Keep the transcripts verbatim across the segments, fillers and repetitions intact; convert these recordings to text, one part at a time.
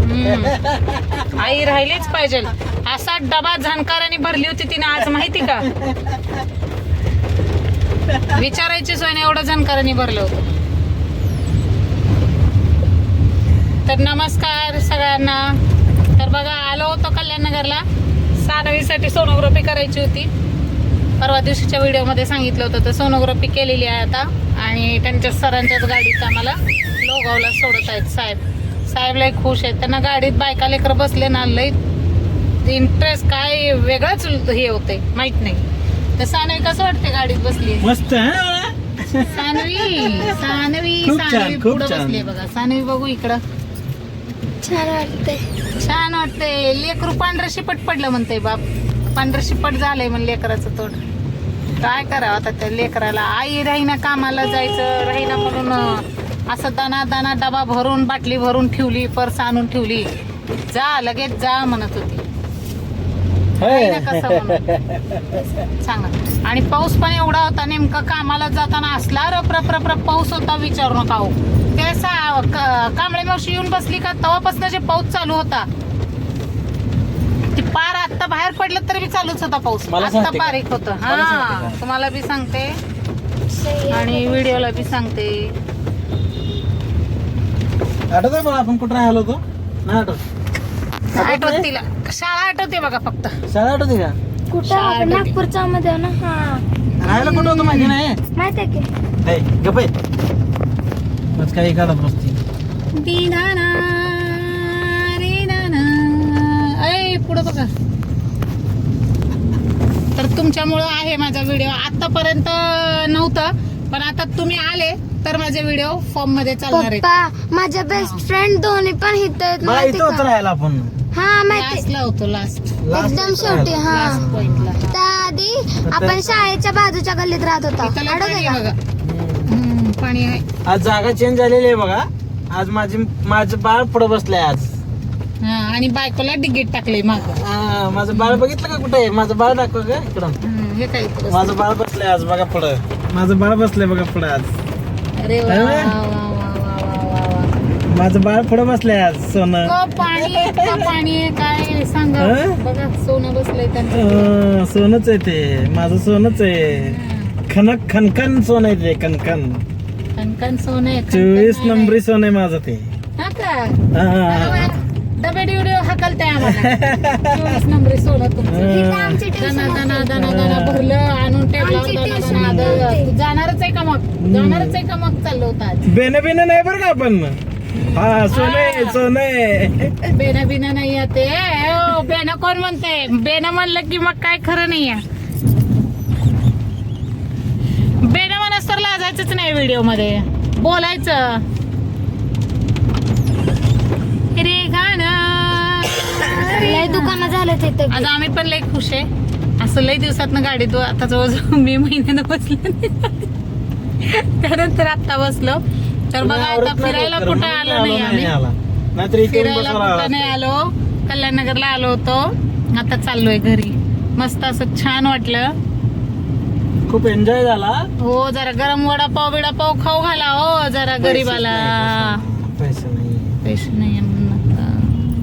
आई राहिलीच पाहिजे. असा डबा झणकाराने भरली होती तिने आज, माहिती का? विचारायची सोय नाही, एवढं झणकाराने भरलं होतं. तर नमस्कार सगळ्यांना. तर बघा, आलो होतो कल्याणनगरला. सानवीसाठी सोनोग्राफी करायची होती. परवा दिवशीच्या व्हिडिओमध्ये सांगितलं होतं, तर सोनोग्राफी केलेली आहे आता. आणि त्यांच्या सरांच्याच गाडीत आम्हाला लोगावला सोडत आहेत साहेब. साहेब लय खुश आहेत. त्यांना गाडीत बायका लेकर बसले ना, लय इंटरेस्ट काय वेगळाच हे होते, माहित नाही. तर सानवी कसं वाटते गाडीत बसली? मस्त. सानवी सानवी खूप छान, सानवी खूप पुढे छान. बसली बघा. सानवी बघू इकडं. छान वाटते. छान वाटते. लेकरू पांढरं शिपट पडलं म्हणते बाप. पांढरं शिपट झालंय म्हण लेकराचं तोड. काय करावं आता त्या लेकराला? आई राहीना, कामाला जायचं राहीना म्हणून असं दाना दाना डबा भरून, बाटली भरून ठेवली, पर्स आणून ठेवली. जा लगेच जा म्हणत होती. राहीना कसं म्हणून सांगा. आणि पाऊस पण एवढा होता, नेमका कामाला जाताना असला रप रप रप रप पाऊस होता, विचारू नका हो. ते सा कांबळे मावशी येऊन बसली का तेव्हापासून जे पाऊस चालू होता, ती पार आता बाहेर पडलं तरी बी चालूच होता पाऊस. आता बारीक होत. हा, तुम्हाला बी सांगते आणि व्हिडिओला बी सांगते. आठवत आहे मला आपण कुठं राहिलो होतो? नाही आठवत. आठवत तिला. शाळा आठवते बघा फक्त. शाळा आठवते का? कुठं आपण नागपूरच्या मध्ये ना. हा, राहायला कुठं होतं माहिती नाही. माहित आहे की? ए, गप्प आहे. मग काही काढत बसती. दिनाना रे नाना. ऐ पुढं बघा. तर तुमच्यामुळं आहे माझा व्हिडिओ. आतापर्यंत नव्हतं, पण आता तुम्ही आले तर माझे व्हिडिओ फॉर्म मध्ये चालणार आहेत. पप्पा, माझ्या बेस्ट फ्रेंड दोन्ही पण इथं आहेत, मला माहिती इथं होतं का? राहायला आपण. हा, माहिती. लास्टला होतो, लास्ट एकदम शेवटी. हा, लास्ट पॉइंटला. त्याआधी आपण शाळेच्या बाजूच्या गल्लीत राहत होता. इथं लय आठवते पाणी का? आहे बघा. हम्म, पाणी आहे. आज जागा चेंज झालेली आहे बघा. आज माझी माझं बाळ पुढे बसलंय आज. हा, आणि बायकोला डिगेट टाकले माग. हा, माझं बाळ बघितलं का कुठे आहे? माझं बाळ दाखव का इकडं. हे काय इथं बसलं? माझं बाळ बसलंय आज बघा पुढं. माझं बाळ बसलंय बघा पुढे आज. अरे वा अरे वा वा. वा वा वा वा वा. माझं बाळ पुढे बसलंय आज. सोनं. इतकं पाणी आहे, इतकं पाणी आहे, काय सांगा. हं? बघा, सोनं बसलंय त्यांचं. अं, सोनंच आहे ते. माझं सोनंच आहे. खनक खनखन सोनं आहे ते. खनखन कणकण सोनं आहे. चोवीस कणकण नंबरी सोनं आहे माझं ते. हा का? हा. डबे डिवडे हकलताय आम्हाला. चोवीस नंबरी सोनं तुमचं. इथं आमची दना ट्युशन दना दना दना भरलं, आणून टेबलावर आमची दना tuition दना होती. दना. तू जाणारच आहे का मग? जाणारच आहे का मग? चाललो होतं आज. बेन बेन नाही बरं का आपण. हा, सोने सोने. बेना बिना नाही आहे ते. ओ, बेना कोण म्हणते? बेना म्हणलं की मग काय खरं नाही आहे. बेना म्हणस तर लाजायचंच नाही व्हिडिओ मध्ये. बोलायचं रे गाणं. लय दुकानं झालं तिथं. आज आम्ही पण लय खुश आहे. असं लय दिवसातनं गाडीत आता जवळजवळ मे महिन्यानं बसलो. त्यानंतर आता बसलो. तर बघा, आता फिरायला कुठं आलो नाही आम्ही. नाहीतर इथे फिरायला कुठं नाही आलो. कल्याणनगरला आलो होतो. आता चाललोय घरी. मस्त असं छान वाटलं. खूप एन्जॉय झाला. हो, जरा गरम वडापाव बिडापाव खाऊ घाला हो जरा गरीबाला. पैसे नाही. पैसे नाही म्हणून आता.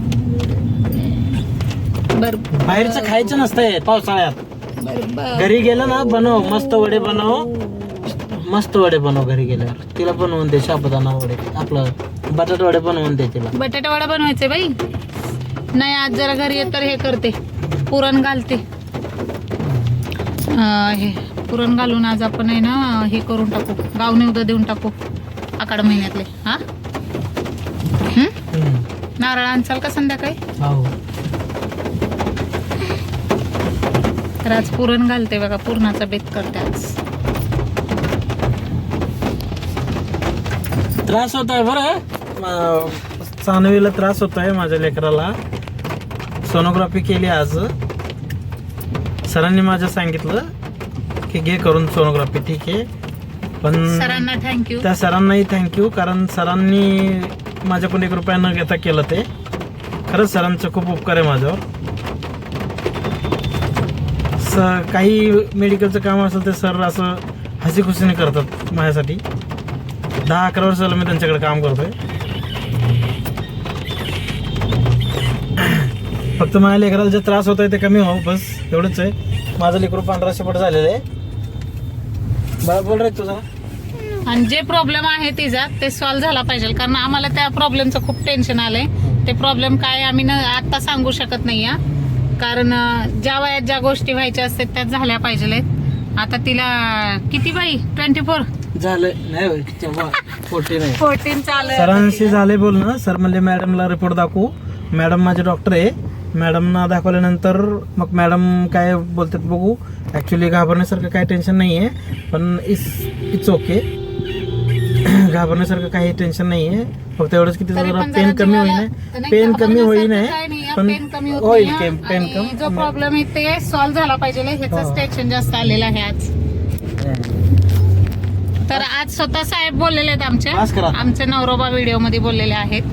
बर बाहेरचं खायचं नसतंय पावसाळ्यात. बर घरी गेलं ना, बनव मस्त वडे बनव. मस्त वडे बनव घरी गेल्यावर. तिला बनवून दे साबुदाणा वडे. आपलं बटाटा वडे बनवून दे तिला. बटाटा वडा बनवायचे बाई. नाही, आज जरा घरी येत तर हे करते, पुरण घालते. अं, हे पुरण घालून आज आपण आहे ना हे करून टाकू, गावने उद्या देऊन टाकू आखाड महिन्यातले. हा, हम्म. नारळ आणचाल का संध्याकाळी? हो. तर आज पुरण घालते बघा. पुरणाचा बेत करते आज. त्रास होत आहे बरं. सानवीला त्रास होत आहे माझ्या लेकराला. सोनोग्राफी केली आज. सरांनी माझ्या सांगितलं की घे करून सोनोग्राफी. ठीक आहे, पण सरांना थँक्यू. त्या सरांनाही थँक्यू, कारण सरांनी माझ्याकडून एक रुपया न घेता केलं ते. खरंच सरांचं खूप उपकार आहे माझ्यावर. स काही मेडिकलचं काम असेल ते सर असं हसी खुशीने करतात माझ्यासाठी. दहा अकरा वर्ष झालं मी त्यांच्याकडे काम करतोय. फक्त माझ्या लेकराला जे त्रास होत आहे ते कमी हो, बस एवढंच आहे. माझं लेकरू पांढरा शेपट झालेलं आहे. बरं बोल रे तुझा. आणि जे प्रॉब्लेम आहे तिचा ते सॉल्व्ह झाला पाहिजे, कारण आम्हाला त्या प्रॉब्लेमचं खूप टेन्शन आलंय. ते प्रॉब्लेम काय आम्ही ना आता सांगू शकत नाही, कारण अं, ज्या वयात ज्या गोष्टी व्हायच्या असतात त्या झाल्या पाहिजे. आता तिला किती बाई ट्वेंटी फोर झालं नाही फोर्टी नाही फोर्टीन चालू सरांशी झाले बोलणं. सर म्हणले मॅडमला रिपोर्ट दाखवू. मॅडम माझे डॉक्टर आहे. मॅडमना दाखवल्यानंतर मग मॅडम काय बोलतात बघू. ऍक्च्युली घाबरण्यासारखं काही टेन्शन नाही आहे, पण इट्स इट्स ओके. घाबरण्यासारखं काही टेन्शन नाही आहे. फक्त एवढंच की तिथं जरा पेन कमी होईल, पेन कमी होईल पण होईल. पेन कमी जो प्रॉब्लेम आहे ते सॉल्व्ह झाला पाहिजे, ह्याच टेन्शन जास्त आलेलं आहे आज. तर आज स्वतः साहेब बोललेले आहेत आमचे आमचे नवरोबा व्हिडिओ मध्ये बोललेले आहेत.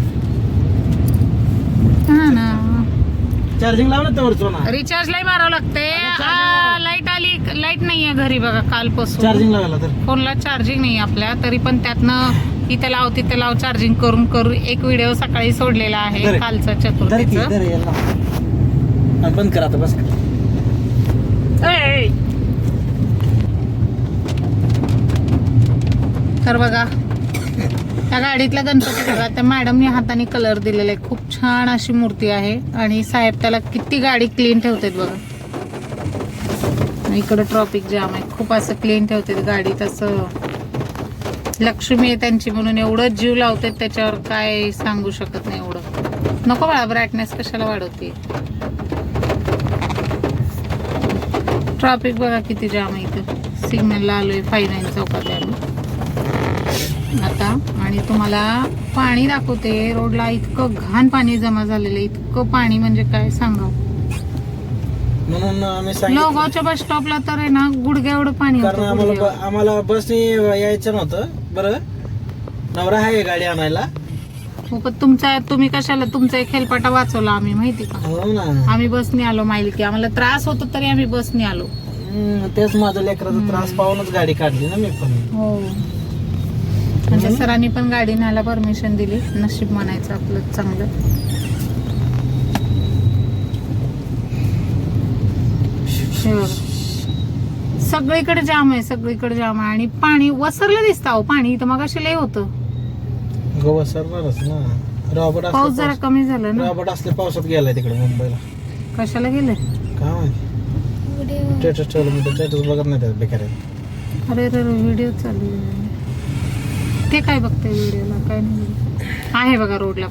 हा ना, चार्जिंग लावलं तर वरचं रिचार्ज लाई मारावं लागते. लाईट आली, लाईट नाहीये घरी बघा कालपासून. चार्जिंग लावायला तर फोनला चार्जिंग नाही आपल्या, तरी पण त्यातनं इथे लाव तिथे लाव चार्जिंग करून करून एक व्हिडिओ सकाळी सोडलेला आहे कालचा चतुर्थीचा. बंद करा आता बस. तर बघा त्या गाडीतल्या गणपती बघा, त्या मॅडमने हाताने कलर दिलेला आहे. खूप छान अशी मूर्ती आहे आणि साहेब त्याला किती गाडी क्लीन ठेवतात बघा. इकडं ट्रॉफिक जाम आहे, खूप असं क्लीन ठेवतात गाडीत. असं लक्ष्मी आहे त्यांची म्हणून एवढं जीव लावतात त्याच्यावर, काय सांगू शकत नाही. एवढं नको बाळा, ब्राईटनेस कशाला वाढवते. ट्रॉफिक बघा किती जाम आहे इथं. सिग्नलला आलोय फाईव्ह नाईन चौकात आम्ही आता. आणि तुम्हाला पाणी दाखवते. रोडला इतकं घाण पाणी जमा झालेलं, इतकं पाणी म्हणजे काय सांगावं. म्हणून आम्ही सांगितलं, लोगावच्या बस स्टॉपला तर आहे ना गुडघ्या एवढं पाणी कारण होतं, आम्हाला गुडघ्यावर. ब- आम्हाला बसने यायचं नव्हतं. बरं नवरा आहे गाडी आणायला. हो, पण तुमचा तुम्ही कशाला तुमचा एक हेलपाटा वाचवला आम्ही माहिती का. हो ना, आम्ही बसने आलो माहिती की आम्हाला त्रास होतो तरी आम्ही बसने आलो. हम्म, तेच माझ्या लेकराचा त्रास पाहूनच गाडी काढली ना मी पण. हो, म्हणजे सरांनी पण गाडी न्यायला परमिशन दिली. नशीब म्हणायचं आपलं चांगलं. हे बघा. सगळीकडे जाम आहे, सगळीकडे जाम आहे आणि पाणी वसरलं दिसतं. अहो पाणी इथं मग लय होतं. गोवा सरणारच ना. रॉबर्ट पाऊस जरा असले कमी झाला ना. रॉबर्ट असले पावसात गेलाय तिकडे मुंबईला. कशाला गेले काय माहिती, स्टेटस ठेवलं मी स्टेटस बघत नाही त्यात बेकार आहे. अरे रे व्हिडिओ चालू आहे. ते काय बघताय व्हिडिओला, काय नाही. आहे बघा रोडला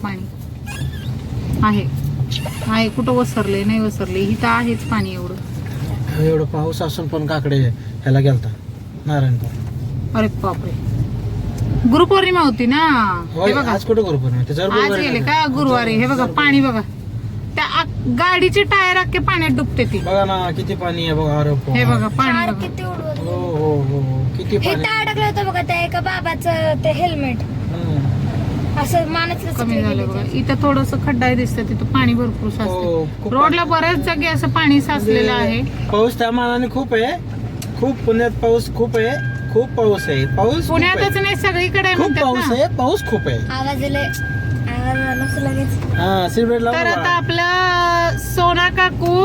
पाणी आहे आहे कुठं वसरले नाही वसरले, इथं आहेच पाणी एवढं. एवढं पाऊस असून पण काकडे ह्याला गेलता नारायणपूर. अरे बापरे, गुरुपौर्णिमा होती ना. हे बघा आज कुठं करू पण आज गेले का गुरुवारी. हे बघा पाणी बघा, त्या आ- गाडीची टायर अख्खे पाण्यात डुबते ती. बघा ना किती पाणी आहे बघा. अरे हे बघा पाणी कार बघा. किती उडवत हो हो हो हो, किती हे पाणी. अडकलं होतं बघा त्या एका बाबाचं ते हेल्मेट हम्म. असं मानच कमी झालं बघा. इथं थोडस खड्डा दिसतं, तिथं पाणी भरपूर हो, साचतं. खूप रोडला बऱ्याच जागी असं पाणी साचलेलं आहे. पाऊस त्या मानाने खूप आहे. खूप पुण्यात पाऊस खूप आहे. खूप पाऊस आहे. पाऊस खूप पुण्यातच आहे. नाही सगळीकडे खूप म्हणतात पाऊस ना. आहे. पाऊस खूप आहे. आवाज आले आवाज आला असं लगेच. हा सिगरेट तर आता लावा. आपलं सोना काकू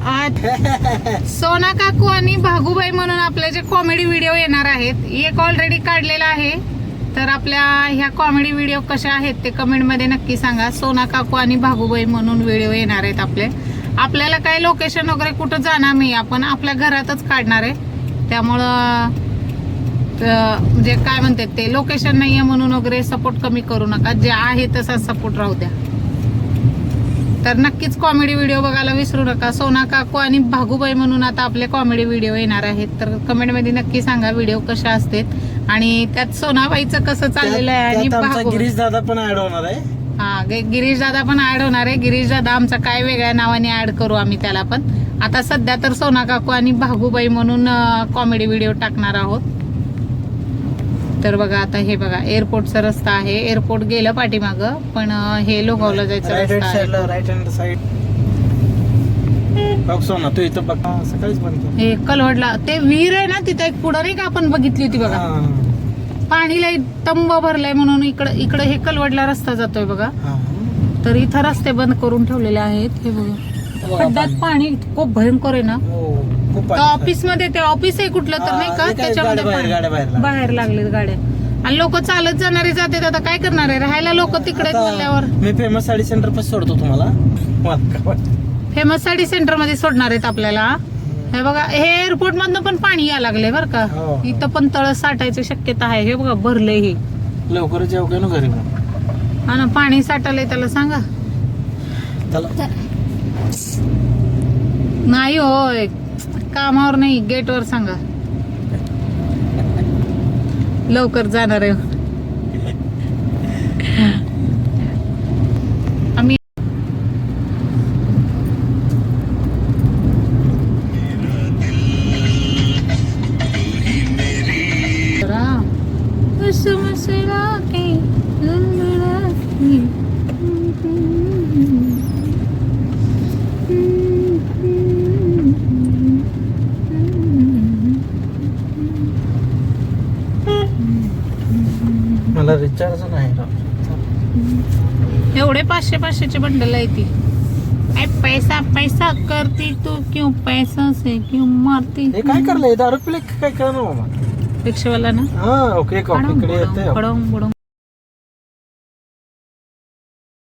आ- सोना काकू आणि भागूबाई म्हणून आपले जे कॉमेडी व्हिडिओ येणार आहेत, एक ऑलरेडी काढलेला आहे. तर आपल्या ह्या कॉमेडी व्हिडिओ कशा आहेत ते कमेंट मध्ये नक्की सांगा. सोना काकू आणि भागूबाई म्हणून व्हिडिओ येणार आहेत आपले. आपल्याला काही लोकेशन वगैरे कुठं जाणार नाही, आपण आपल्या घरातच काढणार आहे. त्यामुळं अं, म्हणजे काय म्हणतात ते लोकेशन नाहीये म्हणून वगैरे सपोर्ट कमी करू नका. जे आहे तसा सपोर्ट राहू द्या. तर नक्कीच कॉमेडी व्हिडिओ बघायला विसरू नका. सोना काकू आणि भागूबाई म्हणून आता आपले कॉमेडी व्हिडिओ येणार आहेत. तर कमेंटमध्ये नक्की सांगा व्हिडिओ कशा असतात आणि त्यात सोनाबाईचं कसं चाललेलं आहे आणि त्यात आमचा भागू गिरीश दादा पण ऍड होणार आहे. हा गिरीश दादा पण ऍड होणार आहे. गिरीश दादा आमचा काय वेगळ्या नावाने ऍड करू आम्ही त्याला पण. आता सध्या तर सोना काकू आणि भागूबाई म्हणून कॉमेडी व्हिडिओ टाकणार आहोत. तर बघा आता हे बघा एअरपोर्टचा रस्ता आहे. एअरपोर्ट गेलं पाठीमाग, पण अं, हे लोगावला जायचं राईट हँड रस्ता आहे. साईडला राईट हँड साईड बघ सोना तू इथं बघ. हा, सकाळीच बनतो. हे कलवडला ते विहीर आहे ना तिथे एक पुढं नाही का आपण बघितली होती बघा. पाणी लय तंब भरलंय म्हणून इकडं इकडं हे कलवडला रस्ता जातोय बघा. तर इथं रस्ते बंद करून ठेवलेले आहेत. हे बघा खड्ड्यात पाणी खूप भयंकर आहे ना. हो, खूप पाणी. ऑफिस मध्ये ते ऑफिस आहे कुठलं तर नाही हा, का हे काय त्याच्यामध्ये गाड्या बाहेर- पाणी. गाड्या बाहेर लागल्या. बाहेर लागलेत गाड्या आणि लोक चालत जाणारे जातात. आता काय करणार आहे, राहायला लोक तिकडे आता बोलल्यावर. मी फेमस साडी सेंटर पासून सोडतो तुम्हाला. फेमस साडी सेंटर मध्ये सोडणार आहेत आपल्याला. हे बघा हे एअरपोर्ट मधनं पण पाणी यायला लागले बरं का. हो. इथं पण तळ साठायची शक्यता आहे. हे बघा भरलंय हे. लवकरच येऊ काय ना घरी मग. हा ना पाणी साठलंय त्याला सांगा. चला नाही होय कामावर नाही गेटवर सांगा लवकर जाणार आहे. आम्ही मला रिचार्ज नाही राव. एवढे पाचशे पाचशेचे बंडल आहे ती. ऐ पैसा पैसा करती तू क्यों पैसा से क्यों मारती. हे काय करलंय दारू पिले काय कळलं ना बाबा. रिक्षावाला ना हा ओके खडम इकडे येते बुडम, खडम बुडम.